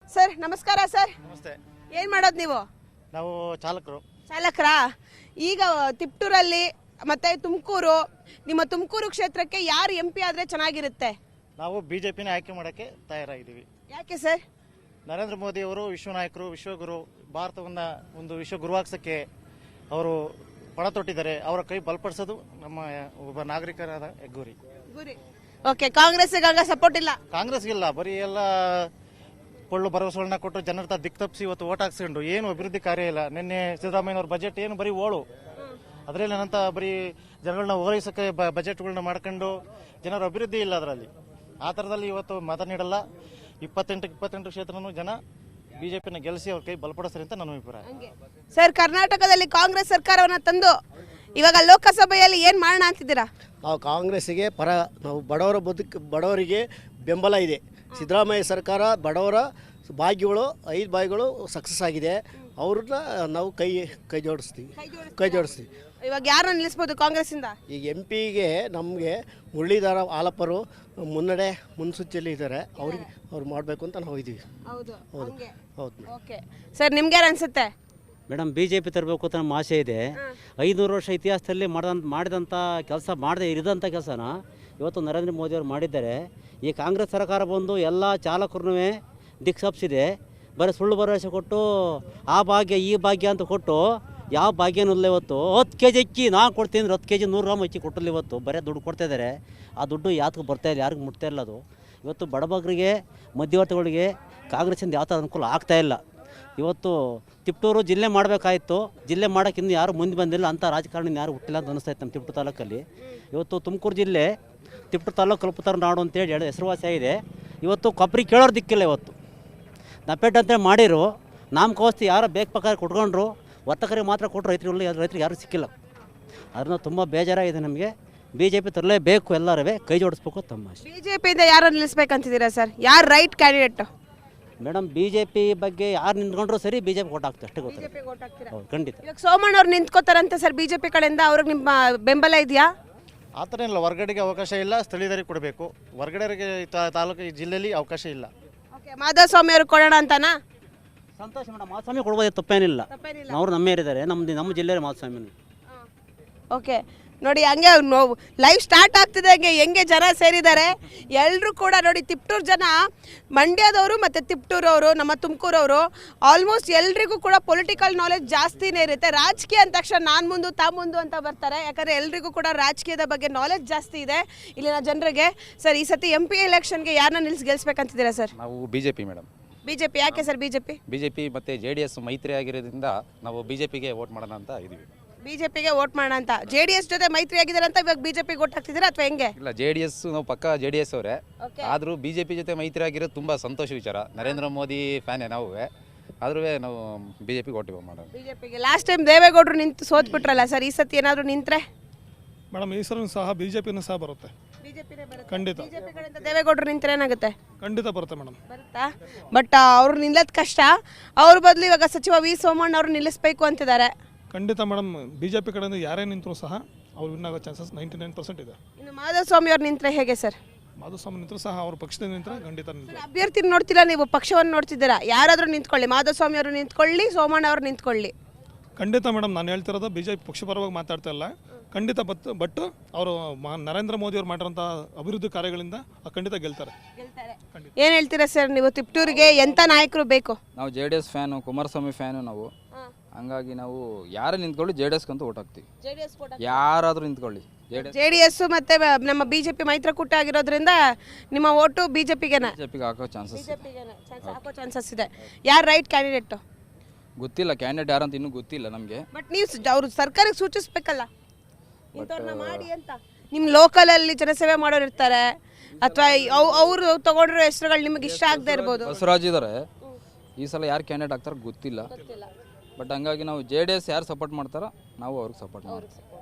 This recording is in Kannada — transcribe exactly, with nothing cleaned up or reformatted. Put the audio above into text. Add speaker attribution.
Speaker 1: ಸರ್ ನಮಸ್ಕಾರ ಸರ್.
Speaker 2: ನಮಸ್ತೆ.
Speaker 1: ಏನ್ ಮಾಡೋದು ನೀವು?
Speaker 2: ನಾವು ಚಾಲಕರು.
Speaker 1: ಚಾಲಕರಾ? ಈಗ ತಿಪ್ಟೂರಲ್ಲಿ ಮತ್ತೆ ತುಮಕೂರು, ನಿಮ್ಮ ತುಮಕೂರು ಕ್ಷೇತ್ರಕ್ಕೆ ಯಾರು ಎಂ ಪಿ ಆದ್ರೆ ಚೆನ್ನಾಗಿರುತ್ತೆ?
Speaker 2: ನಾವು ಬಿಜೆಪಿನ ಆಯ್ಕೆ ಮಾಡೋಕ್ಕೆ ತಯಾರಾಗಿದ್ದೀವಿ.
Speaker 1: ಯಾಕೆ ಸರ್?
Speaker 2: ನರೇಂದ್ರ ಮೋದಿ ಅವರು ವಿಶ್ವ ನಾಯಕರು, ವಿಶ್ವಗುರು, ಭಾರತವನ್ನ ಒಂದು ವಿಶ್ವಗುರುವಾಗ್ಸಕ್ಕೆ ಅವರು ಪಣ ತೊಟ್ಟಿದ್ದಾರೆ. ಅವರ ಕೈ ಬಲಪಡಿಸೋದು ನಮ್ಮ ಒಬ್ಬ ನಾಗರಿಕರಾದ ಗುರಿ.
Speaker 1: ಗುರಿ. ಓಕೆ, ಕಾಂಗ್ರೆಸ್ಗೆ ಸಪೋರ್ಟ್ ಇಲ್ಲ?
Speaker 2: ಕಾಂಗ್ರೆಸ್ಗಿಲ್ಲ, ಬರೀ ಎಲ್ಲ ಕೊಳ್ಳು ಭರವಸೆಗಳನ್ನ ಕೊಟ್ಟು ಜನರ ದಿಕ್ ತಪ್ಪಿಸಿ ಇವತ್ತು ಓಟ್ ಹಾಕ್ಸ್ಕೊಂಡು ಏನು ಅಭಿವೃದ್ಧಿ ಕಾರ್ಯ ಇಲ್ಲ. ನಿನ್ನೆ ಸಿದ್ದರಾಮಯ್ಯನವ್ರ ಬಜೆಟ್ ಏನು ಬರೀ ಓಳು, ಅದರಲ್ಲಿ ಏನಂತ ಬರೀ ಜನಗಳನ್ನ ಓಲೈಸಕ್ಕೆ ಬಜೆಟ್ಗಳನ್ನ ಮಾಡ್ಕೊಂಡು ಜನರ ಅಭಿವೃದ್ಧಿ ಇಲ್ಲ ಅದರಲ್ಲಿ. ಆ ಥರದಲ್ಲಿ ಇವತ್ತು ಮತ ನೀಡಲ್ಲ. ಇಪ್ಪತ್ತೆಂಟು ಇಪ್ಪತ್ತೆಂಟು ಕ್ಷೇತ್ರನೂ ಜನ ಬಿಜೆಪಿನ ಗೆಲ್ಲಿಸಿ ಅವ್ರ ಕೈ ಬಲಪಡಿಸ್ತಾರೆ ಅಂತ ನನ್ನ ಅಭಿಪ್ರಾಯ.
Speaker 1: ಸರ್, ಕರ್ನಾಟಕದಲ್ಲಿ ಕಾಂಗ್ರೆಸ್ ಸರ್ಕಾರವನ್ನ ತಂದು ಇವಾಗ ಲೋಕಸಭೆಯಲ್ಲಿ ಏನ್ ಮಾಡೋಣ ಅಂತಿದ್ದೀರಾ?
Speaker 3: ನಾವು ಕಾಂಗ್ರೆಸ್ಸಿಗೆ ಪರ, ನಾವು ಬಡವರ ಬದುಕು ಬಡವರಿಗೆ ಬೆಂಬಲ ಇದೆ. ಸಿದ್ದರಾಮಯ್ಯ ಸರ್ಕಾರ ಬಡವರ ಭಾಗ್ಯಗಳು ಐದು ಭಾಗ್ಯಗಳು ಸಕ್ಸಸ್ ಆಗಿದೆ. ಅವ್ರನ್ನ ನಾವು ಕೈ ಕೈ ಜೋಡಿಸ್ತೀವಿ ಕೈ ಜೋಡಿಸ್ತೀವಿ
Speaker 1: ಇವಾಗ ಯಾರನ್ನ ನಿಲ್ಲಿಸ್ಬೋದು ಕಾಂಗ್ರೆಸ್ ಇಂದ?
Speaker 3: ಈಗ ಎಂ ಪಿಗೆ ನಮಗೆ ಮುರಳೀಧರ ಆಲಪ್ಪರು ಮುನ್ನಡೆ ಮುನ್ಸೂಚಿಯಲ್ಲಿ ಇದ್ದಾರೆ. ಅವ್ರಿಗೆ ಅವ್ರು ಮಾಡಬೇಕು ಅಂತ ನಾವು ಇದ್ದೀವಿ.
Speaker 1: ಹೌದು
Speaker 3: ಹೌದು ಹೌದು.
Speaker 1: ಓಕೆ ಸರ್, ನಿಮ್ಗೆ ಯಾರು ಅನ್ಸುತ್ತೆ?
Speaker 4: ಮೇಡಮ್, ಬಿ ಜೆ ಪಿ ತರಬೇಕು ಅಂತ ನಮ್ಮ ಆಸೆ ಇದೆ. ಐನೂರು ವರ್ಷ ಇತಿಹಾಸದಲ್ಲಿ ಮಾಡಿದಂಥ ಮಾಡಿದಂಥ ಕೆಲಸ ಮಾಡದೆ ಇರಿದಂಥ ಕೆಲಸನ ಇವತ್ತು ನರೇಂದ್ರ ಮೋದಿ ಅವರು ಮಾಡಿದ್ದಾರೆ. ಈ ಕಾಂಗ್ರೆಸ್ ಸರ್ಕಾರ ಬಂದು ಎಲ್ಲ ಚಾಲಕರನ್ನೂ ದಿಕ್ಸಪ್ಸಿದೆ. ಬರೀ ಸುಳ್ಳು ಭರವಸೆ ಕೊಟ್ಟು ಆ ಭಾಗ್ಯ ಈ ಭಾಗ್ಯ ಅಂತ ಕೊಟ್ಟು ಯಾವ ಭಾಗ್ಯನೂ ಇಲ್ಲ. ಇವತ್ತು ಹತ್ತು ಕೆ ಜಿ ಅಕ್ಕಿ ನಾನು ಕೊಡ್ತೀನಿ ಅಂದ್ರೆ ಹತ್ತು ಕೆ ಜಿ ನೂರು ಗ್ರಾಮ್ ಅಕ್ಕಿ ಕೊಟ್ಟಲ್ಲಿ ಇವತ್ತು ಬರೀ ದುಡ್ಡು ಕೊಡ್ತಾ ಇದ್ದಾರೆ. ಆ ದುಡ್ಡು ಯಾತಕ್ಕೆ ಬರ್ತಾ ಇಲ್ಲ, ಯಾರಿಗೂ ಮುಟ್ತಾ ಇಲ್ಲ. ಅದು ಇವತ್ತು ಬಡಬಗ್ಗರಿಗೆ, ಮಧ್ಯವರ್ತಿಗಳಿಗೆ ಕಾಂಗ್ರೆಸ್ಸಿಂದ ಯಾವ ಥರ ಅನುಕೂಲ ಆಗ್ತಾಯಿಲ್ಲ. ಇವತ್ತು ತಿಪ್ಟೂರು ಜಿಲ್ಲೆ ಮಾಡಬೇಕಾಯಿತು, ಜಿಲ್ಲೆ ಮಾಡೋಕ್ಕೆ ಇನ್ನೂ ಯಾರು ಮುಂದೆ ಬಂದಿಲ್ಲ. ಅಂಥ ರಾಜಕಾರಣ ಯಾರು ಹುಟ್ಟಿಲ್ಲ ಅಂತ ಅನಿಸ್ತಾಯಿತ್ತು ನಮ್ಮ ತಿಪ್ಟೂರು ತಾಲೂಕಲ್ಲಿ. ಇವತ್ತು ತುಮಕೂರು ಜಿಲ್ಲೆ ತಿಪ್ಟೂರು ತಾಲೂಕು ಕಲ್ಪತರ ನಾಡು ಅಂತೇಳಿ ಎರಡು ಹೆಸರುವಾಸಿ ಆಗಿದೆ. ಇವತ್ತು ಕೊಬ್ಬರಿ ಕೇಳೋರು ದಿಕ್ಕಿಲ್ಲ. ಇವತ್ತು ನಪೇಟ್ ಅಂತೇಳಿ ಮಾಡಿರು, ನಾಮಕೋಸ್ತಿ ಯಾರೋ ಬೇಕು ಪ್ರಕಾರ ಕೊಟ್ಕೊಂಡ್ರು, ವರ್ತಕರಿಗೆ ಮಾತ್ರ ಕೊಟ್ಟರು, ರೈತರಿಗೆ ರೈತರಿಗೆ ಯಾರೂ ಸಿಕ್ಕಿಲ್ಲ. ಅದನ್ನ ತುಂಬ ಬೇಜಾರಾಗಿದೆ ನಮಗೆ. ಬಿ ಜೆ ಪಿ ತರಲೇಬೇಕು, ಎಲ್ಲರೂ ಕೈ ಜೋಡಿಸ್ಬೇಕು ತಮ್ಮ ಆಸೆ.
Speaker 1: ಬಿ ಜೆ ಪಿಯಿಂದ ಯಾರನ್ನು ನಿಲ್ಲಿಸ್ಬೇಕಂತಿದ್ದೀರಾ ಸರ್? ಯಾರು right candidate?
Speaker 4: Madam, B J P ಬಗ್ಗೆ ಯಾರು ನಿಂತ್ಕೊಂಡ್ರು ಸರಿ, ಬಿ ಜೆ ಪಿ ಕೊಟ್ಟು ಹಾಕ್ತಾರೆ ಅಷ್ಟೇ ಗೊತ್ತಿಲ್ಲ. ಹೌದು, ಖಂಡಿತ.
Speaker 1: ಇವಾಗ ಸೋಮಣ್ಣ ಅವ್ರು ನಿಂತ್ಕೋತಾರಂತೆ ಸರ್ ಬಿ ಜೆ ಪಿ ಕಡೆಯಿಂದ, ಅವ್ರಿಗೆ ನಿಮ್ಮ ಬೆಂಬಲ ಇದೆಯಾ?
Speaker 2: ಆ ಥರ ಇಲ್ಲ. ಹೊರಗಡೆಗೆ ಅವಕಾಶ ಇಲ್ಲ, ಸ್ಥಳೀಯರಿಗೆ ಕೊಡಬೇಕು. ಹೊರಗಡೆಗೆ ತಾಲೂಕು ಈ ಜಿಲ್ಲೆಯಲ್ಲಿ ಅವಕಾಶ ಇಲ್ಲ.
Speaker 1: ಓಕೆ, ಮಾಧವಸ್ವಾಮಿ ಅವ್ರಿಗೆ ಕೊಡೋಣ ಅಂತನಾ?
Speaker 4: ಸಂತೋಷ ಮೇಡಮ್, ಮಾಧುಸ್ವಾಮಿ ಕೊಡ್ಬೋದು, ತಪ್ಪೇನಿಲ್ಲ. ಅವ್ರು ನಮ್ಮ ಇದ್ದಾರೆ, ನಮ್ಮ ನಮ್ಮ ಜಿಲ್ಲೆಯ ಮಾಧುಸ್ವಾಮಿ.
Speaker 1: ಓಕೆ ನೋಡಿ, ಹಂಗೆ ನೋವು ಲೈವ್ ಸ್ಟಾರ್ಟ್ ಆಗ್ತಿದೆ. ಹಂಗೆ ಹೆಂಗೆ ಜನ ಸೇರಿದ್ದಾರೆ ಎಲ್ಲರೂ ಕೂಡ ನೋಡಿ. ತಿಪ್ಟೂರು ಜನ, ಮಂಡ್ಯದವರು ಮತ್ತು ತಿಪ್ಟೂರವರು, ನಮ್ಮ ತುಮಕೂರವರು, ಆಲ್ಮೋಸ್ಟ್ ಎಲ್ರಿಗೂ ಕೂಡ ಪೊಲಿಟಿಕಲ್ ನಾಲೆಜ್ ಜಾಸ್ತಿನೇ ಇರುತ್ತೆ. ರಾಜಕೀಯ ಅಂದ ತಕ್ಷಣ ನಾನು ಮುಂದು ತಾ ಮುಂದು ಅಂತ ಬರ್ತಾರೆ. ಯಾಕಂದರೆ ಎಲ್ರಿಗೂ ಕೂಡ ರಾಜಕೀಯದ ಬಗ್ಗೆ ನಾಲೆಜ್ ಜಾಸ್ತಿ ಇದೆ ಇಲ್ಲಿನ ಜನರಿಗೆ. ಸರ್, ಈ ಸತಿ ಎಂ ಪಿ ಎಲೆಕ್ಷನ್ಗೆ ಯಾರನ್ನ ನಿಲ್ಲಿಸಿ ಗೆಲ್ಸ್ಬೇಕಂತಿದ್ದೀರಾ ಸರ್?
Speaker 5: ನಾವು ಬಿಜೆಪಿ ಮೇಡಮ್.
Speaker 1: ಬಿಜೆಪಿ ಯಾಕೆ ಸರ್? ಬಿಜೆಪಿ
Speaker 5: ಬಿಜೆಪಿ ಮತ್ತು ಜೆ ಡಿ ಎಸ್ ಮೈತ್ರಿ ಆಗಿರೋದ್ರಿಂದ ನಾವು ಬಿಜೆಪಿಗೆ ವೋಟ್ ಮಾಡೋಣ ಅಂತ ಇದ್ದೀವಿ.
Speaker 1: ಬಿಜೆಪಿಗೆ ವೋಟ್ ಮಾಡೋಣ ಅಂತ. ಜೆ ಡಿ ಎಸ್ ಜೊತೆ ಮೈತ್ರಿ ಆಗಿದ್ದಾರೆ ಅಂತ ಇವಾಗ ಬಿಜೆಪಿಗೆ ವೋಟ್ ಹಾಕ್ತಿದ್ದೀರಾ ಅಥವಾ ಹೆಂಗೆ?
Speaker 5: ಇಲ್ಲ, ಜೆ ಡಿ ಎಸ್ ನಾವು ಪಕ್ಕ ಜೆ ಡಿ ಎಸ್ ಅವರೇ. ಆದರೂ ಬಿಜೆಪಿ ಜೊತೆ ಮೈತ್ರಿ ಆಗಿರೋದು ತುಂಬ ಸಂತೋಷ ವಿಚಾರ. ನರೇಂದ್ರ ಮೋದಿ ಫ್ಯಾನೇ ನಾವು. ಆದ್ರೂ ನಾವು ಬಿಜೆಪಿಗೆ ವೋಟ್ ಮಾಡೋಣ.
Speaker 1: ಬಿಜೆಪಿಗೆ ಲಾಸ್ಟ್ ಟೈಮ್ ದೇವೇಗೌಡರು ನಿಂತು ಸೋತ್ಬಿಟ್ರಲ್ಲ ಸರ್, ಈ ಸತಿ ಏನಾದರೂ ನಿಂತ್ರೆ?
Speaker 6: ಮೇಡಮ್, ಈ ಸಲ ಸಹ ಬಿಜೆಪಿನೂ ಸಹ ಬರುತ್ತೆ. ಖಂಡಿತ
Speaker 1: ಬಿಜೆಪಿ ಕಡೆಯಿಂದ ದೇವೇಗೌಡರು ನಿಂತ್ರೆ ಏನಾಗುತ್ತೆ?
Speaker 6: ಖಂಡಿತ ಬರುತ್ತೆ ಮೇಡಮ್.
Speaker 1: ಬರುತ್ತಾ? ಬಟ್ ಅವ್ರು ನಿಲ್ಲೋದು ಕಷ್ಟ. ಅವ್ರ ಬದಲು ಇವಾಗ ಸಚಿವ ವಿ ಸೋಮಣ್ಣ ಅವರು ನಿಲ್ಲಿಸಬೇಕು ಅಂತಿದ್ದಾರೆ.
Speaker 6: ಖಂಡಿತ ಮೇಡಮ್, ಬಿಜೆಪಿ ಕಡೆಯಿಂದ ಯಾರೇ ನಿಂತರೂ ಸಹ ಅವ್ರು ವಿನ್ ಆಗೋ ಚಾನ್ಸಸ್ ನೈಂಟಿ ನೈನ್ ಪರ್ಸೆಂಟ್ ಇದೆ.
Speaker 1: ಇನ್ನು ಮಾಧವಸ್ವಾಮಿ ಅವ್ರು ನಿಂತ್ರೆ ಹೇಗೆ ಸರ್?
Speaker 6: ಮಾಧುಸ್ವಾಮಿ ನಿಂತರೂ ಸಹ ಅವ್ರ ಪಕ್ಷದಿಂದ ನಿಂತರೆ ಖಂಡಿತ ನಿಂತರು.
Speaker 1: ಅಭ್ಯರ್ಥಿ ನೋಡ್ತಿಲ್ಲ ನೀವು, ಪಕ್ಷವನ್ನು ನೋಡ್ತಿದ್ದೀರಾ. ಯಾರಾದರೂ ನಿಂತ್ಕೊಳ್ಳಿ, ಮಾಧವಸ್ವಾಮಿ ಅವರು ನಿಂತ್ಕೊಳ್ಳಿ, ಸೋಮಣ್ಣ ಅವರು ನಿಂತ್ಕೊಳ್ಳಿ.
Speaker 6: ಖಂಡಿತ ಮೇಡಮ್, ನಾನು ಹೇಳ್ತಿರೋದು ಬಿಜೆಪಿ ಪಕ್ಷ ಪರವಾಗಿ ಮಾತಾಡ್ತಾ ಇಲ್ಲ. ಖಂಡಿತ ಬಟ್ ಬಟ್ ಅವರು ನರೇಂದ್ರ ಮೋದಿ ಅವ್ರು ಮಾಡಿರೋಂಥ ಅಭಿವೃದ್ಧಿ ಕಾರ್ಯಗಳಿಂದ ಖಂಡಿತ ಗೆಲ್ತಾರೆ.
Speaker 1: ಏನು ಹೇಳ್ತೀರಾ ಸರ್ ನೀವು? ತಿಪ್ಟೂರಿಗೆ ಎಂಥ ನಾಯಕರು ಬೇಕು?
Speaker 7: ನಾವು J D S fan, Kumaraswamy fan ನಾವು. ಹಂಗಾಗಿ ನಾವು ಯಾರೇ ನಿಂತ್ಕೊಳ್ಳಿ ಜೆ ಡಿ ಎಸ್ ಕಂತೂ ಓಟ್ ಹಾಕ್ತೀವಿ. ಯಾರಾದರೂ ನಿಂತ್ಕೊಳ್ಳಿ
Speaker 1: ಜೆ ಡಿ ಎಸ್ ಮತ್ತೆ ನಮ್ಮ ಬಿಜೆಪಿ ಮೈತ್ರಿಕೂಟ ಆಗಿರೋದ್ರಿಂದ ನಿಮ್ಮ ಓಟು ಬಿಜೆಪಿಗೆ
Speaker 7: ಬಿಜೆಪಿಗೆ ಹಾಕೋ ಚಾನ್ಸಸ್
Speaker 1: ಹಾಕೋ ಚಾನ್ಸಸ್ ಇದೆ. ಯಾರು ರೈಟ್ ಕ್ಯಾಂಡಿಡೇಟ್
Speaker 7: ಗೊತ್ತಿಲ್ಲ. ಕ್ಯಾಂಡಿಡೇಟ್ ಯಾರಂತ ಇನ್ನೂ ಗೊತ್ತಿಲ್ಲ ನಮಗೆ.
Speaker 1: ಬಟ್ ನೀವು ಅವ್ರು ಸರ್ಕಾರಕ್ಕೆ ಸೂಚಿಸ್ಬೇಕಲ್ಲ ಇಂಥವ್ರನ್ನ ಮಾಡಿ ಅಂತ. ನಿಮ್ಮ ಲೋಕಲಲ್ಲಿ ಜನಸೇವೆ ಮಾಡೋರು ಇರ್ತಾರೆ, ಅಥವಾ ಅವರು ತಗೊಂಡಿರೋ ಹೆಸರುಗಳು ನಿಮಗೆ ಇಷ್ಟ ಆಗದೆ ಇರ್ಬೋದು.
Speaker 7: ಬಸವರಾಜ್ ಇದ್ದಾರೆ. ಈ ಸಲ ಯಾರು ಕ್ಯಾಂಡಿಡೇಟ್ ಆಗ್ತಾರೆ ಗೊತ್ತಿಲ್ಲ. ಬಟ್ ಹಂಗಾಗಿ ನಾವು ಜೆ ಡಿ ಎಸ್ ಯಾರು ಸಪೋರ್ಟ್ ಮಾಡ್ತಾರೋ ನಾವು ಅವ್ರಿಗೆ ಸಪೋರ್ಟ್ ಮಾಡ್ತೀವಿ.